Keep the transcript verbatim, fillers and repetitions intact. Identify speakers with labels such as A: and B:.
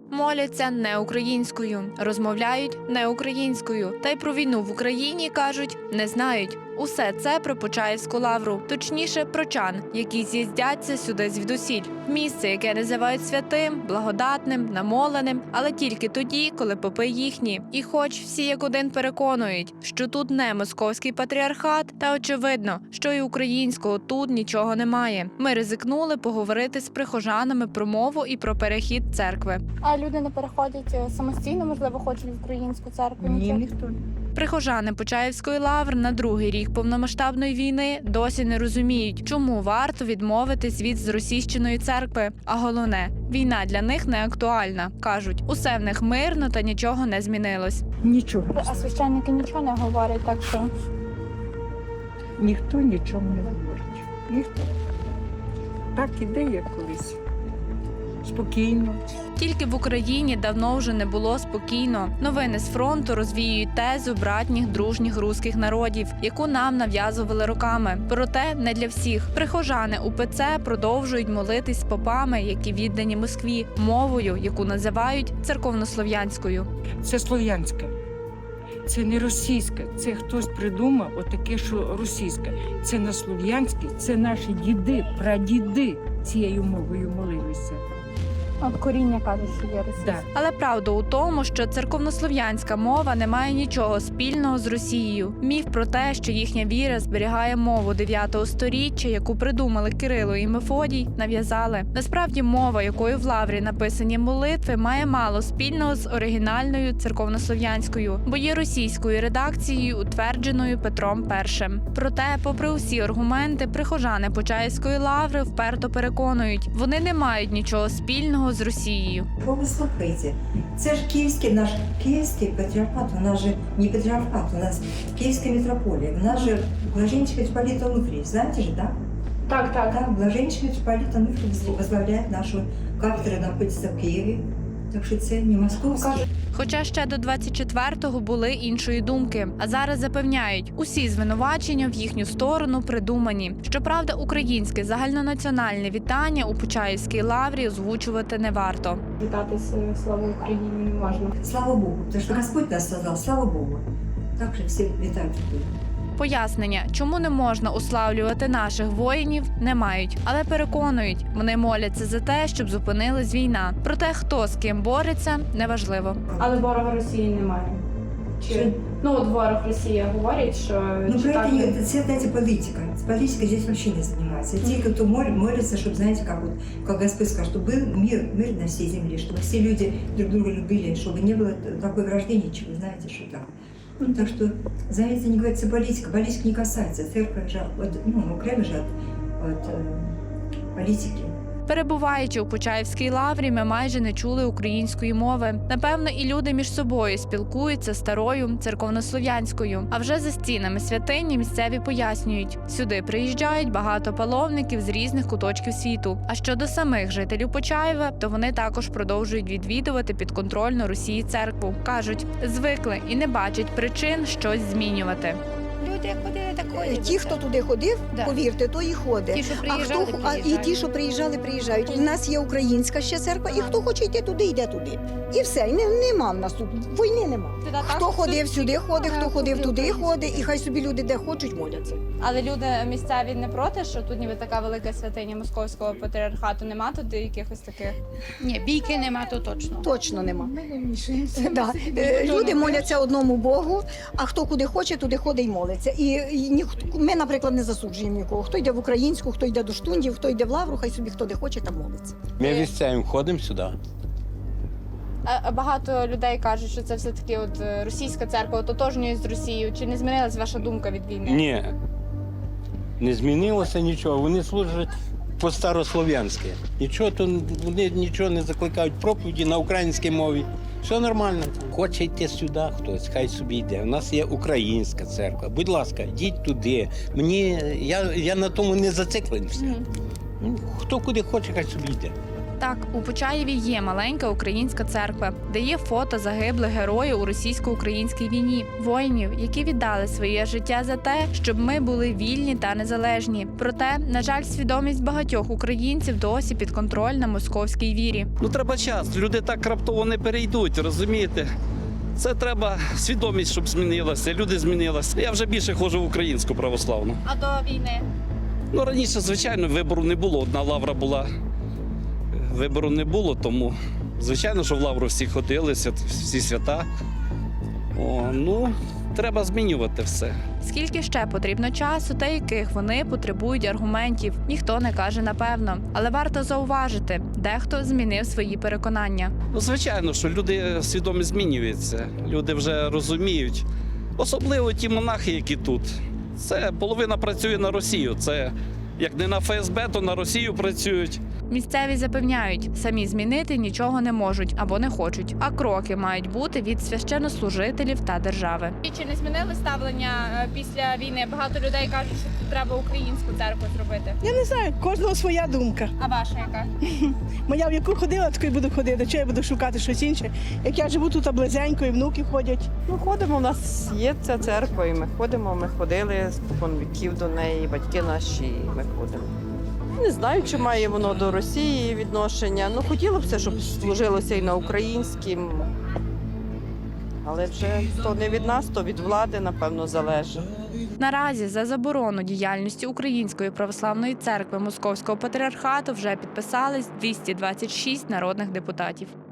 A: Моляться не українською, розмовляють не українською. Та й про війну в Україні, кажуть, не знають. Усе це про Почаївську лавру, точніше про чан, які з'їздяться сюди звідусіль. Місце, яке називають святим, благодатним, намоленим, але тільки тоді, коли попи їхні. І хоч всі як один переконують, що тут не московський патріархат, та очевидно, що і українського тут нічого немає. Ми ризикнули поговорити з прихожанами про мову і про перехід церкви.
B: А люди не переходять самостійно, можливо, хочуть в українську церкву?
C: Ні,
B: Нічого?
C: ніхто не.
A: Прихожани Почаївської лаври на другий рік повномасштабної війни досі не розуміють, чому варто відмовитись від зросійщеної церкви. А головне, війна для них не актуальна. Кажуть, усе в них мирно та нічого не змінилось.
C: Нічого.
B: А священники нічого не говорять, так що
C: Ніхто нічого не говорить. Ніхто. Так іде, як колись. Спокійно.
A: Тільки в Україні давно вже не було спокійно. Новини з фронту розвіюють тезу братніх дружніх руських народів, яку нам нав'язували роками. Проте не для всіх. Прихожани УПЦ продовжують молитись з попами, які віддані Москві, мовою, яку називають церковнослов'янською.
C: Це слов'янське. Це не російське. Це хтось придумав отаке, що російське. Це не слов'янське, це наші діди, прадіди цією мовою молилися.
B: от коріння кажуть, що є російська.
C: Так.
A: Але правда у тому, що церковнослов'янська мова не має нічого спільного з Росією. Міф про те, що їхня віра зберігає мову дев'ятого сторіччя, яку придумали Кирило і Мефодій, нав'язали. Насправді мова, якою в лаврі написані молитви, має мало спільного з оригінальною церковнослов'янською, бо є російською редакцією, утвердженою Петром І. Проте, попри усі аргументи, прихожани Почаївської лаври вперто переконують, вони не мають нічого спільного з Росією.
D: Бо ви слухайте, це ж київський наш київський патріархат, у нас же не патріархат, у нас київська митрополія, у нас же блаженничка митрополита Онуфрий, знаете же, да?
B: Так, так.
D: Да, блаженничка митрополита Онуфрий возглавляет нашу кафедру, находится в Києві, так що це не московський.
A: Хоча ще до двадцять четвертого були іншої думки, а зараз запевняють, усі звинувачення в їхню сторону придумані. Щоправда, українське загальнонаціональне вітання у Почаївській лаврі озвучувати не варто.
B: Вітатися слава Україні не можна.
D: Слава Богу, потому что Господь нас создал, слава Богу. Так же всі вітають.
A: Пояснення, чому не можна уславлювати наших воїнів, не мають. Але переконують, вони моляться за те, щоб зупинилась війна. Проте, хто з ким бореться, неважливо.
B: Але ворога Росії немає. Чи
D: Що?
B: ну от ворог Росія говорить, що
D: Ну, про
B: читати-
D: это, не, это, это, знаете, политика. С политикой здесь вообще не занимается. Те, кто мол- молится, чтобы, знаете, как вот, как Господь сказал, чтобы был мир, мир на всей земле, чтобы все люди друг друга любили, чтобы не было такой вражды, ничего, знаете, что так. Ну, так что, знаете, не говорится политика, политика не касается. Церковь же, от, ну, окремо же от, от э, политики.
A: Перебуваючи у Почаївській лаврі, ми майже не чули української мови. Напевно, і люди між собою спілкуються старою церковнослов'янською. А вже за стінами святині місцеві пояснюють, сюди приїжджають багато паломників з різних куточків світу. А щодо самих жителів Почаєва, то вони також продовжують відвідувати підконтрольну Росії церкву. Кажуть, звикли і не бачать причин щось змінювати.
E: Люди ходили так ходять.
F: Ті, хто туди ходив,
E: Да.
F: повірте, то і ходить.
E: Ті, що
F: А
E: приїжджали,
F: хто а, і
E: приїжджають.
F: ті, що приїжджали, приїжджають. У нас є українська ще церква, і хто хоче йти туди, йде туди. І все, і не, нема в нас тут. Війни нема. Хто ходив сюди, ходить, хто ходив туди, ходить, і хай собі люди де хочуть моляться.
G: Але люди місцеві не проти, що тут ніби така велика святиня московського патріархату. Нема тут якихось таких.
E: Ні, бійки нема, то точно.
F: Точно нема. Да. Е, Люди моляться одному Богу, а хто куди хоче, туди ходить і молиться. І, і ніхто, ми, наприклад, не засуджуємо нікого. Хто йде в українську, хто йде до штундів, хто йде в лавру, хай собі хто де хоче, там молиться.
H: Ми місцевим ходимо сюди.
G: А а багато людей кажуть, що це все таки от е, російська церква, ототожнює з Росією. Чи не змінилась ваша думка від війни?
H: Ні, не змінилося нічого. Вони служать по-старослов'янськи. Нічого, то вони нічого не закликають проповіді на українській мові. Все нормально. Хоче йти сюди хтось, хай собі йде. У нас є українська церква. Будь ласка, йдіть туди. Мені, я, я на тому не зацикленився.
G: Мгм.
H: Ну, хто куди хоче, хай собі йде.
A: Так, у Почаєві є маленька українська церква, де є фото загиблих героїв у російсько-українській війні, воїнів, які віддали своє життя за те, щоб ми були вільні та незалежні. Проте, на жаль, свідомість багатьох українців досі підконтрольна московській вірі.
I: Ну треба час. Люди так раптово не перейдуть, розумієте? Це треба свідомість, щоб змінилася. Люди змінилися. Я вже більше ходжу в українську православну.
G: А до війни?
I: Ну раніше, звичайно, вибору не було. Одна лавра була. Вибору не було, тому звичайно, що в лавру всі ходили, свят- всі свята. О, ну, треба змінювати все.
A: Скільки ще потрібно часу та яких вони потребують аргументів, ніхто не каже напевно. Але варто зауважити, дехто змінив свої переконання.
I: Ну, звичайно, що люди свідомі змінюються. Люди вже розуміють. Особливо ті монахи, які тут. Це половина працює на Росію. Це як не на ФСБ, то на Росію працюють.
A: Місцеві запевняють, самі змінити нічого не можуть або не хочуть, а кроки мають бути від священнослужителів та держави.
G: І чи не змінили ставлення е, після війни? Багато людей кажуть, що тут треба українську церкву зробити.
J: Я не знаю, кожного своя думка.
G: А ваша яка?
J: Моя в яку ходила, таку й буду ходити. Чого я буду шукати щось інше? Як я живу тут близенько, і внуки ходять.
K: Ну, ходимо, у нас є ця церква, і ми ходимо, ми ходили спокон віків до неї, батьки наші, і ми ходимо. Не знаю, чи має воно до Росії відношення. Ну, хотілося б, щоб служилося і на українськім. Але вже то не від нас, то від влади, напевно, залежить.
A: Наразі за заборону діяльності Української православної церкви Московського патріархату вже підписались двісті двадцять шість народних депутатів.